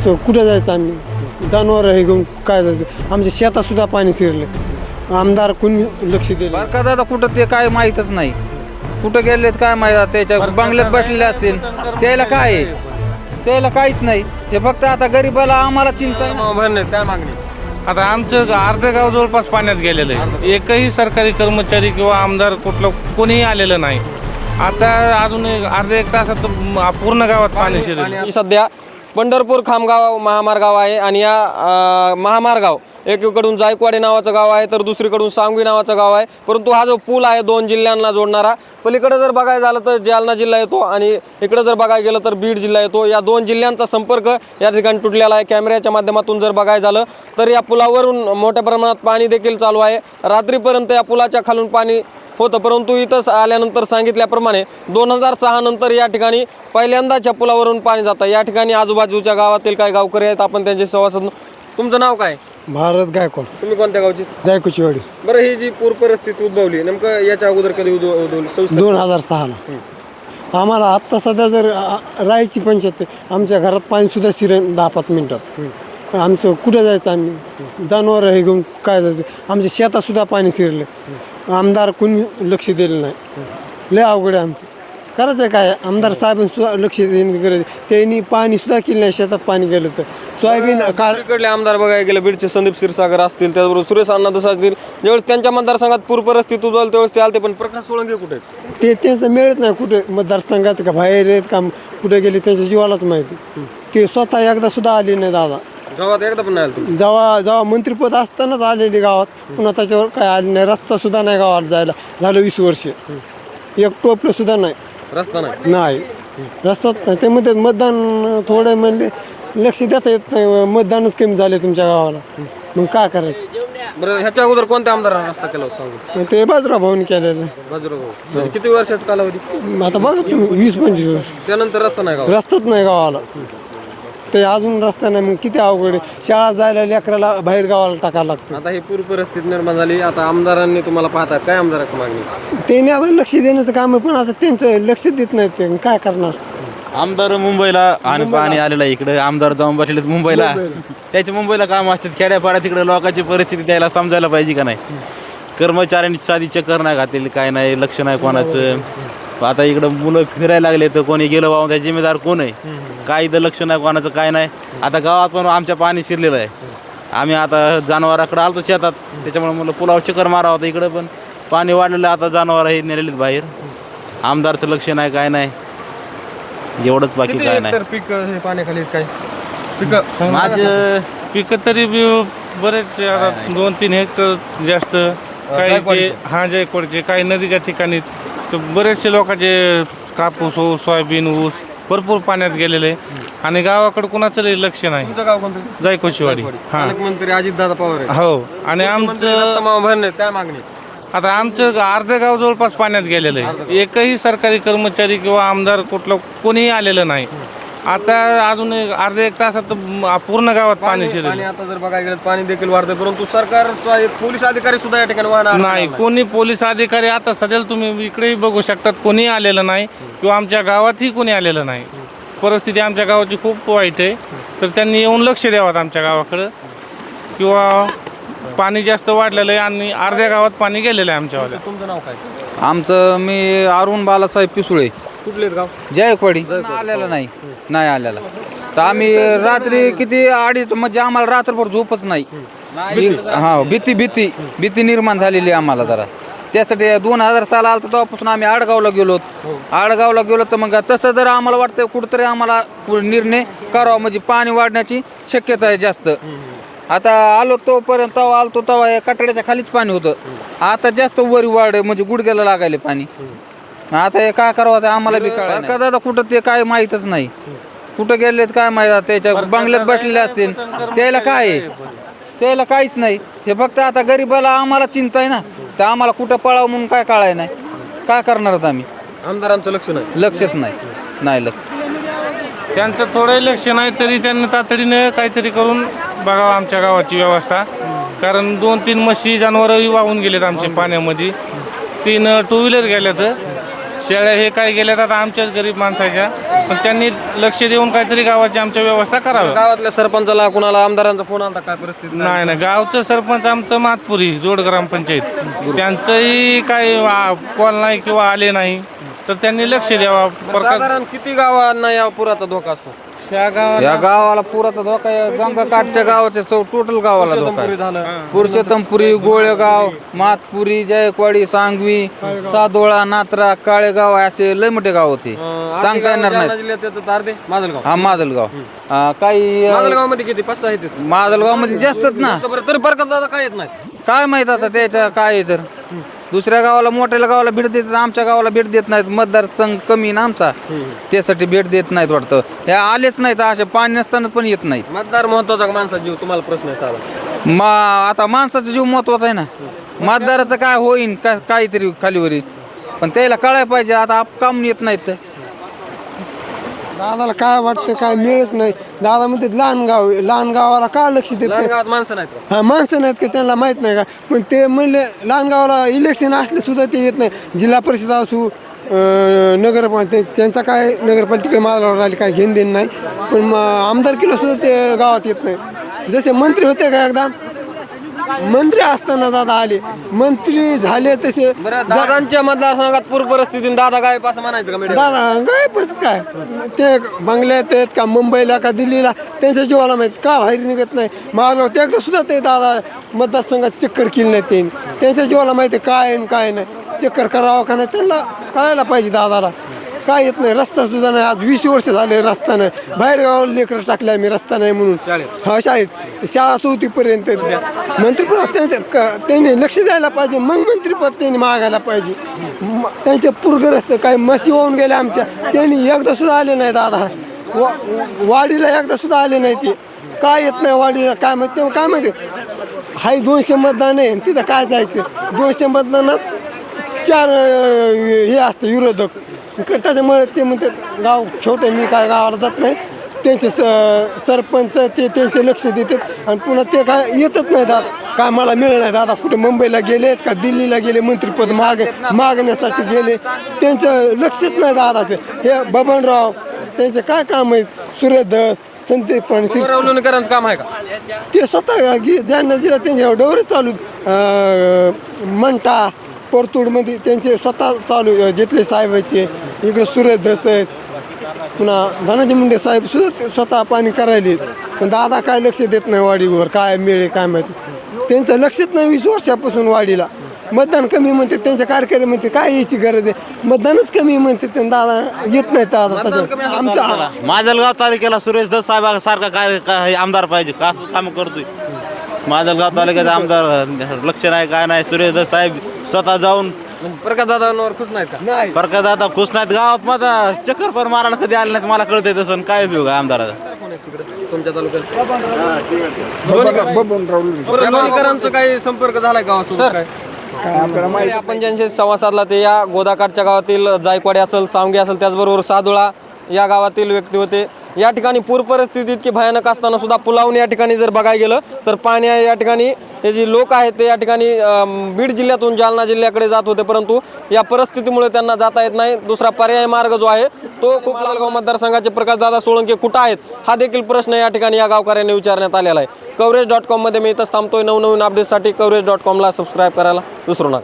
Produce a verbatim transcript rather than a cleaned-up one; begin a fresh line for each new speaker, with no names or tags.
आमचं कुठं जायचं आम्ही जनावर हे घेऊन काय जायचं आमच्या शेतातसुद्धा पाणी शिरलं आमदार कोणी लक्ष दिलं
बरं का दादा कुठं ते काय माहीतच नाही कुठं गेलेत काय माहीत त्याच्या बंगल्यात बसलेले असतील त्याला काय आहे त्याला काहीच नाही हे फक्त आता गरीबाला आम्हाला चिंता आहे ना.
काय मागणी
आता आमचं अर्धे गाव जवळपास पाण्यात गेलेलं आहे एकही सरकारी कर्मचारी किंवा आमदार कुठलं कोणीही आलेलं नाही आता अजून एक अर्ध्या एक तासात पूर्ण गावात पाणी शिरेल
सध्या पंढरपूर खामगाव महामार्गाव आहे आणि या अ, महामार्गाव एकीकडून जायकवाडी नावाचं गाव आहे तर दुसरीकडून सांगवी नावाचं गाव आहे परंतु हा जो पूल आहे दोन जिल्ह्यांना जोडणारा पलीकडे जर बघायला झालं तर जालना जिल्हा येतो आणि इकडे जर बघायला गेलं तर बीड जिल्हा येतो या दोन जिल्ह्यांचा संपर्क या ठिकाणी तुटलेला आहे कॅमेऱ्याच्या माध्यमातून जर बघायला झालं तर या पुलावरून मोठ्या प्रमाणात पाणी देखील चालू आहे रात्रीपर्यंत या पुलाच्या खालून पाणी होतं परंतु इथं आल्यानंतर सांगितल्याप्रमाणे दोन हजार सहा नंतर या ठिकाणी पहिल्यांदाच्या पुलावरून पाणी जातं या ठिकाणी आजूबाजूच्या गावातील काही गावकरी आहेत आपण त्यांचे संवाद तुमचं नाव काय
भारत गायकवाड
तुम्ही कोणत्या गावची
जायकुचीवाडी
बरं ही जी पूर परिस्थिती उद्भवली नेमकं याच्या अगोदर कधी उद्भव- उद्भवली सविस्तर
दोन हजार सहाला आम्हाला आत्ता सध्या जर आ, राहायची पंचायत आमच्या घरात पाणीसुद्धा शिरेल दहा पाच मिनटात आमचं कुठं जायचं आम्ही जनावर हे घेऊन काय जायचं आमच्या शेतातसुद्धा पाणी शिरलं आमदार कोणी लक्ष दिलं नाही लय अवघड आहे आमचं करायचं आहे काय आमदार साहेबांसुद्धा लक्ष देण्याची गरज आहे त्यांनी पाणीसुद्धा केलं नाही शेतात पाणी गेलं तर सोयाबीन काळ
इकडले आमदार बघायला गेले बीडचे संदीप क्षीरसागर असतील त्याचबरोबर सुरेश अण्णा दस असतील ज्यावेळेस त्यांच्या मतदारसंघात पूर परिस्थिती उद्भवली त्यावेळेस ते आलते पण प्रकाश सोळंके कुठे आहेत?
ते त्यांचं मिळत नाही कुठे मतदारसंघात का बाहेर आहेत का कुठे गेले त्यांच्या जीवालाच माहिती की स्वतः एकदा सुद्धा आली नाही दादा
गावात एकदा पण नाही आलं तुम्ही
जेव्हा जेव्हा मंत्रिपद असतानाच आलेली गावात पुन्हा त्याच्यावर काय आले नाही रस्ता सुद्धा नाही गावात जायला झालं वीस वर्ष एक टोपलं सुद्धा नाही
रस्ता नाही
नाही रस्ताच नाही ते म्हणतात मतदान थोडं म्हणजे लक्ष देता येत नाही मतदानच कमी झाले तुमच्या गावाला मग काय करायचं
बरं ह्याच्या अगोदर कोणत्या आमदारांना रस्ता केला होता सांगू
ते बाजूराव भाऊनी केलेलं
बाजूराव म्हणजे किती वर्षाचा कालावधी
आता बघा तुम्ही वीस पंचवीस वर्ष
त्यानंतर रस्ता नाही गावात
रस्ताच नाही गावाला ते अजून रस्ता नाही मग किती अवघड आहे शाळा जायला लेकराला बाहेर गावाला टाकायला लागतं
आता ही पूर परिस्थिती निर्माण झाली आता आमदारांनी तुम्हाला पाहता काय आमदाराची मागणी
त्यांनी आता लक्ष देण्याचं काम आहे पण आता त्यांचं लक्ष देत नाहीत ते काय करणार
आमदार मुंबईला आणि पाणी आलेलं आहे इकडे आमदार जाऊन बसले मुंबईला त्याचे मुंबईला काम असतात खेड्यापाड्यात तिकडे लोकांची परिस्थिती त्याला समजायला पाहिजे का नाही कर्मचाऱ्यांनी साधी चक्कर नाही घातलेली काय नाही लक्ष नाही कोणाचं आता इकडं मुलं फिरायला लागले तर कोणी गेलं वाहून त्या जिम्मेदार कोण आहे काही तर लक्ष नाही कोणाचं काय नाही आता गावात पण आमच्या पाणी शिरलेलं आहे आम्ही आता जनावराकडे आलतो शेतात त्याच्यामुळे मुलं पुलावर चक्कर मारा होता इकडं पण पाणी वाढलेलं आता जनावर हे नेलेलीत बाहेर आमदारचं लक्ष नाही काय नाही एवढंच बाकी काय नाही
पीक हे पाण्याखाली काय पीक
माझं
पिकं तरी बी बरेच आता दोन तीन हेक्टर जास्त काही जे हा जायकवाडचे काही नदीच्या ठिकाणी तर बरेचसे लोकांचे कापूस ऊस सोयाबीन ऊस भरपूर पाण्यात गेलेले आणि गावाकडे कुणाचं लक्ष नाही
तुमचं गाव कोणतं
जायकवाडीवाडी हा
पालकमंत्री अजितदादा पवार आहे
हो आणि आमचं
भरणे काय मागणी
आता आमचं अर्धे गाव जवळपास पाण्यात गेलेलं आहे एकही सरकारी कर्मचारी किंवा आमदार कुठलं कोणीही आलेलं नाही आता अजून एक अर्ध्या एक तासात पूर्ण गावात पाणी शिरेल
आणि आता जर बघायला गेलं पाणी देखील वाढतंय परंतु सरकारचा एक पोलीस अधिकारी सुद्धा या ठिकाणी वाहन
नाही कोणी पोलीस अधिकारी आता सध्याला तुम्ही इकडेही बघू शकतात कोणी आलेलं नाही किंवा आमच्या गावातही कोणी आलेलं नाही परिस्थिती आमच्या गावाची खूप वाईट आहे तर त्यांनी येऊन लक्ष द्यावं आमच्या गावाकडं किंवा पाणी जास्त वाढलेलं आहे आणि अर्ध्या गावात पाणी गेलेलं आहे आमच्यावाल्या
तुमचं नाव काय
आमचं मी अरुण बालासाहेब पिसुळे
कुठले गाव
जायकवाडी आलेला नाही नाही आलेला तर आम्ही रात्री किती अडीच म्हणजे आम्हाला रात्रभर झोपच नाही हा भीती भीती भीती निर्माण झालेली आम्हाला जरा त्यासाठी दोन हजार साल आलं तेव्हापासून आम्ही आडगावला गेलो आडगावला गेलो तर मग तसं जर आम्हाला वाटतं कुठंतरी आम्हाला निर्णय करावा म्हणजे पाणी वाढण्याची शक्यता आहे जास्त आता आलो तोपर्यंत तेव्हा आलो तेव्हा या कटड्याच्या खालीच पाणी होतं आता जास्त वरी वाढ म्हणजे गुडघ्याला लागायले पाणी आता हे काय करावं ते आम्हाला बी कळलं का दादा कुठं ते काय माहीतच नाही कुठं गेलेत काय माहीत त्याच्या बंगल्यात बसलेले असतील त्याला काय आहे त्याला काहीच नाही हे फक्त आता गरीबाला आम्हाला चिंता आहे ना तर आम्हाला कुठं पळावं म्हणून काय कळाय नाही काय करणार आहोत आम्ही
आमदारांचं लक्ष नाही
लक्षच नाही नाही लक्ष
त्यांचं थोडं लक्ष नाही तरी त्यांनी तातडीने काहीतरी करून बघावं आमच्या गावाची व्यवस्था कारण दोन तीन म्हशी जनावरही वाहून गेलेत आमचे पाण्यामध्ये तीन टू व्हीलर गेल्यात शेळ्या हे काय गेल्यात आता आमच्याच गरीब माणसाच्या, पण त्यांनी लक्ष देऊन काहीतरी गावाची आमच्या व्यवस्था करावी.
गावातल्या सरपंचाला कुणाला आमदारांचा फोन आला काय परिस्थिती
नाही नाही, गावचं सरपंच आमचं मातपुरी जोड ग्रामपंचायत, त्यांचंही काही कॉल नाही किंवा आले नाही, तर त्यांनी लक्ष द्यावा. प्रकाश
साधारण किती गावांना या पुराचा धोका असतो?
ह्या गावात
या गावाला पुराचा धोका आहे. गंगाकाठच्या गावाचे टोटल गावाला धोका आहे.
झालं
पुरुषोत्तमपुरी, गोळेगाव, मातपुरी, जायकवाडी, सांगवी, सादोळा, नात्रा, काळेगाव असे लय मोठे गाव होते, सांगता येणार
जालना
नाही.
जिल्ह्यात येतं तारदे माजलगाव.
हा माजलगाव, हा, काही
माजलगाव मध्ये किती पाच सहा आहेत
माजलगाव मध्ये जास्तच ना.
बरं तरी फरक दादा काय येत नाही.
काय माहित आता त्याच्या काय आहे तर दुसऱ्या गावाला मोठ्या गावाला भेट देतात, आमच्या गावाला भेट देत नाहीत. मतदारसंघ कमी ना आमचा, त्यासाठी भेट देत नाहीत वाटतं. हे आलेच नाहीत, असे पाणी नसताना पण येत नाहीत.
मतदार महत्वाचा का माणसाचा जीव? तुम्हाला प्रश्न आहे साधा.
मा आता माणसाचा जीव महत्वाचा आहे ना. मतदाराचं काय होईन का काहीतरी खालीवरी, पण त्याला कळायला पाहिजे. आता आप काम येत नाहीत तर
दादाला काय वाटतं काय मिळच नाही. दादा म्हणते लहान गाव आहे, लहान गावाला का लक्ष देत
लहान
नाही?
गावात माणसं नाहीत का?
हा माणसं नाहीत का त्यांना माहीत नाही का? पण ते म्हणले लहान गावाला इलेक्शन असले सुद्धा ते येत नाही. जिल्हा परिषद असू अं, नगरपालिका, त्यांचा काय नगरपालिकेकडे मारायला राहिले काय घेण देण नाही. पण मग आमदारकीला सुद्धा ते गावात येत नाही. जसे मंत्री होते का एकदा, मंत्री असताना दादा आले, मंत्री झाले तसे
बरं दादांच्या मतदारसंघात पूर परिस्थितीने दादा गायब असं म्हणायचं का मीडिया?
दादा गायबच काय ते बंगल्यात आहेत का मुंबईला का दिल्लीला, त्यांच्या जीवाला माहीत का बाहेर निघत नाही. मागलं ते एकदा सुद्धा ते दादा मतदारसंघात चक्कर केली नाही. त्यांनी त्यांच्या जीवाला माहिती आहे काय आणि काय नाही. चक्कर करावं का नाही त्यांना कळायला पाहिजे. दादाला काय येत नाही. रस्ता सुद्धा नाही, आज वीस वर्ष झाले रस्ता नाही. बाहेर गावाला लेकरं टाकले आम्ही रस्ता नाही म्हणून. हा शाळेत शाळा चौथीपर्यंत. मंत्रिपद त्यांचं क- त्यांनी लक्ष द्यायला पाहिजे, मग मंत्रिपद त्यांनी मागायला पाहिजे. म- त्यांचे पूरग्रस्त काय मशी होऊन गेले आमच्या, त्यांनी एकदा सुद्धा आले नाही. दादा वा वाडीला एकदा सुद्धा आले नाही. ते काय येत नाही वाडीला काय माहिती. तेव्हा काय माहिती हाय दोनशे मतदान आहे, तिथं काय जायचं. दोनशे मतदानात चार अं, हे असतं विरोधक. क- त्याच्यामुळे ते म्हणतात गाव छोटे, मी काय गावाला जात नाही. त्यांचे स सरपंच ते त्यांचे लक्ष देतात आणि पुन्हा ते काय येतच नाही. दादा काय मला मिळलं नाही. दादा कुठे मुंबईला गेलेत का दिल्लीला गेले, मंत्रिपद माग मागण्यासाठी गेले, त्यांचं लक्षच नाही दादाचं. हे बबनराव त्यांचे काय काम आहेत, सूर्यधस, संदीप पण
रवलुणकरांचं काम आहे का?
ते स्वतः गे- ज्यांना जिल्हा त्यांच्या डोरे चालू अं, मंठा परतूडमध्ये त्यांचे स्वतः चालू अं, जेतले साहेबाचे, इकडे सूर्यधस आहेत, पुन्हा धनाजी मुंडे साहेब सुद्धा ते स्वतः पाणी करायले. पण दादा काय लक्ष देत नाही वाडीवर, काय मिळे काय माहिती. त्यांचं लक्षच नाही वीस वर्षापासून वाडीला. मतदान कमी म्हणते, त्यांचे कार्यक्रम म्हणते काय यायची गरज आहे. मतदानच कमी म्हणते, त्यांना दादा येत नाही. दादा त्याच्या आमचा
माजलगाव तालुक्याला सुरेश दस साहेब सारखा काय काय आमदार पाहिजे का, असं काम करतोय. माजलगाव तालुक्याचा आमदार लक्ष नाही काय नाही. सुरेश दस साहेब स्वतः जाऊन
प्रकाश दादांवर खुश नाहीत का?
नाही.
प्रकाश दादा खुश नाहीत. गावात माझा चक्कर पण मारायला कधी आले नाहीत. मला कळतंय तसं. काय उपयोग आहे आमदाराचा?
तुमच्या तालुक्यात बरं, लोणीकरांचं काही संपर्क झालाय गावासोबत काय? आपण ज्यांशी संवाद साधला ते या गोदाकाठच्या गावातील जायकवाडी असेल, सांगवी असेल, त्याचबरोबर सादोळा या गावातील व्यक्ती होते. या ठिकाणी पूर परिस्थिती इतकी भयानक असताना सुद्धा पुलावून या ठिकाणी जर बघायला गेलं तर पाणी आहे. या ठिकाणी हे जे लोक आहेत ते या ठिकाणी अं, बीड जिल्ह्यातून जालना जिल्ह्याकडे जात होते, परंतु या परिस्थितीमुळे त्यांना जाता येत नाही. दुसरा पर्यायी मार्ग जो आहे तो खूप लालगाव मतदारसंघाचे प्रकाशदादा सोळंके कुठं आहेत हा देखील प्रश्न या ठिकाणी या गावकऱ्यांनी विचारण्यात आलेला आहे. कवरेज डॉट कॉममध्ये मी इथंच थांबतोय. नवनवीन अपडेट्ससाठी कवरेज डॉट कॉमला सबस्क्राईब करायला विसरू नका.